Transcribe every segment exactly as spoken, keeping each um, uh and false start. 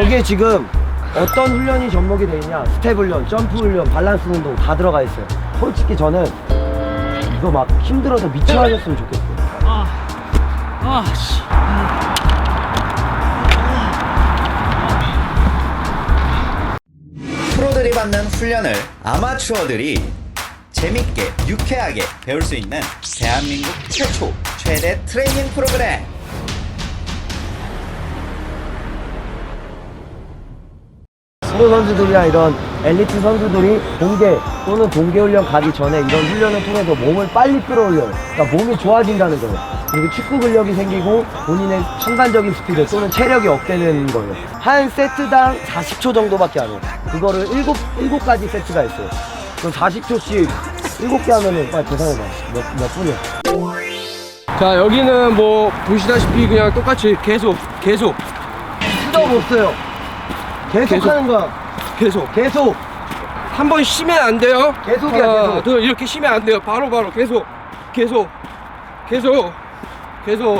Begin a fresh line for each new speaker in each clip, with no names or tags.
여기에 지금 어떤 훈련이 접목이 돼 있냐, 스텝 훈련, 점프 훈련, 밸런스 운동 다 들어가 있어요. 솔직히 저는 이거 막 힘들어서 미쳐하셨으면 좋겠어요.
아, 아, 씨.
프로들이 받는 훈련을 아마추어들이 재밌게 유쾌하게 배울 수 있는 대한민국 최초 최대 트레이닝 프로그램.
프로 선수들이나 이런 엘리트 선수들이 공개 또는 공개 훈련 가기 전에 이런 훈련을 통해서 몸을 빨리 끌어올려요. 그러니까 몸이 좋아진다는 거예요. 그리고 축구 근력이 생기고 본인의 순간적인 스피드 또는 체력이 업되는 거예요. 한 세트당 사십 초 정도밖에 안 해요. 그거를 일곱, 일곱 가지 세트가 있어요. 그럼 사십 초씩 일곱 개 하면은 빨리 계산해봐. 몇, 몇 분이야?
자, 여기는 뭐 보시다시피 그냥 똑같이 계속 계속
수도 없어요. 계속,
계속.
하는 거야.
계속
계속.
한 번 쉬면 안 돼요.
계속이야,
하나,
계속.
둘, 이렇게 쉬면 안 돼요. 바로 바로 계속 계속 계속 계속.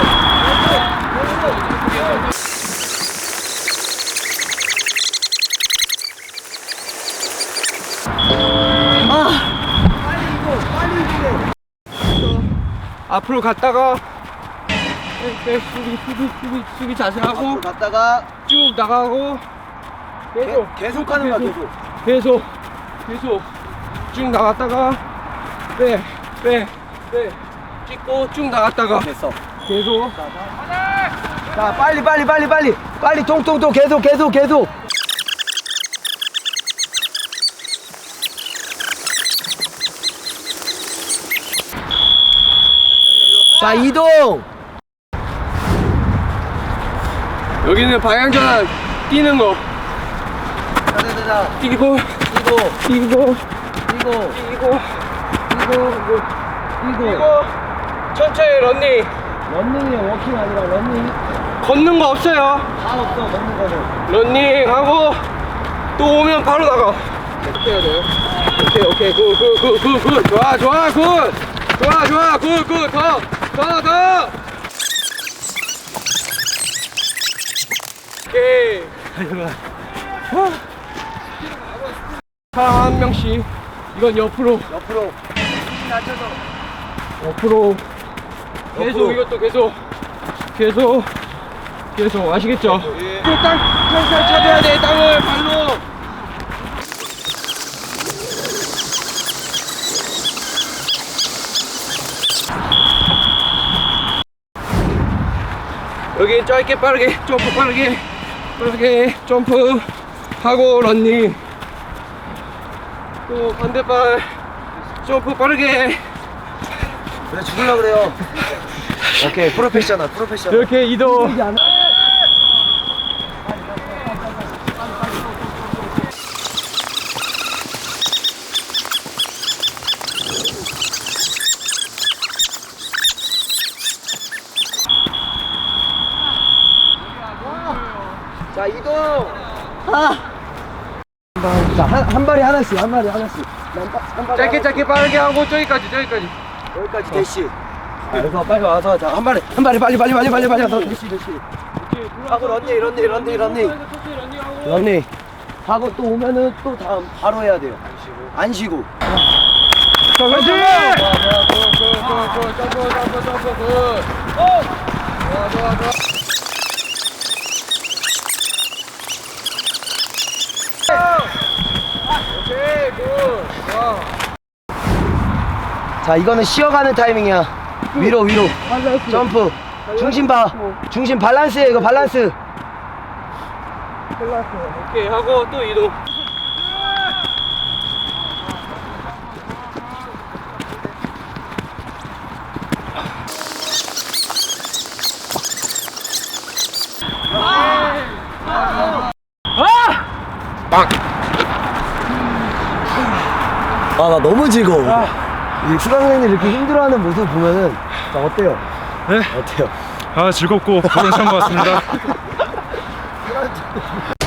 앞으로 갔다가 백 수비 수비 수비 수비 자세하고
앞으로 갔다가
쭉 나가고 계속
계, 계속 하는 거야, 계속.
계속 계속 쭉 나갔다가 빼 빼 빼 찍고 쭉 나갔다가
됐어.
계속.
자, 빨리 빨리 빨리 빨리 빨리 통통통 계속 계속 계속. 자, 이동.
여기는 방향전환 뛰는 거
자자자자.
뛰고
이고
뛰고
이고
뛰고
이고
뛰고
이고.
천천히 런닝.
런닝이야, 워킹 아니라 런닝.
걷는 거 없어요.
다 없어, 걷는 거는.
런닝 하고 또 오면 바로 나가. 계속 해야 돼요. 오케이 오케이 굿굿굿굿 좋아 좋아 굿 좋아 좋아 굿굿더더더 오케이. 사람 한 명씩. 이건 옆으로
옆으로. 낮춰서.
옆으로 계속.
옆으로.
이것도 계속 계속 계속 아시겠죠?
예.
또 땅 살살 쳐줘야 돼. 땅을 발로. 여기 짧게 빠르게 점프 빠르게 빠르게 점프 하고 런닝. 또 반대발 점프 빠르게.
왜 죽을라 그래요? 오케이, 프로페셔널, 프로페셔널.
이렇게 이동.
자, 이동. 아. 자, 한, 한 발이 하나씩, 한 발이 하나씩. 한, 바- 한 발이
짧게
하나씩.
짧게 빠르게 하고 저기까지 저기까지.
여기까지 대시. 자, 그래서 빨리 와서 자, 한 발에 한 발에 빨리 빨리 빨리 빨리 빨리 와서 대시 대시. 하고 런닝 런닝 런닝 런닝 런닝 하고 또 오면은 또 다음 바로 해야 돼요. 안 쉬고.
자, 그렇지. 굿굿굿굿 점프 점프 점프 굿. 좋아 좋아 좋아. 오케이 굿. 좋아.
자, 이거는 쉬어가는 타이밍이야. 위로 위로. 점프. 중심 봐. 중심 밸런스에 이거 밸런스.
오케이 하고 또 이동.
아, 나 너무 즐거워. 이 수강생들이 이렇게 힘들어하는 모습 보면은 자, 어때요?
네?
어때요?
아 즐겁고 보람찬 것 같습니다.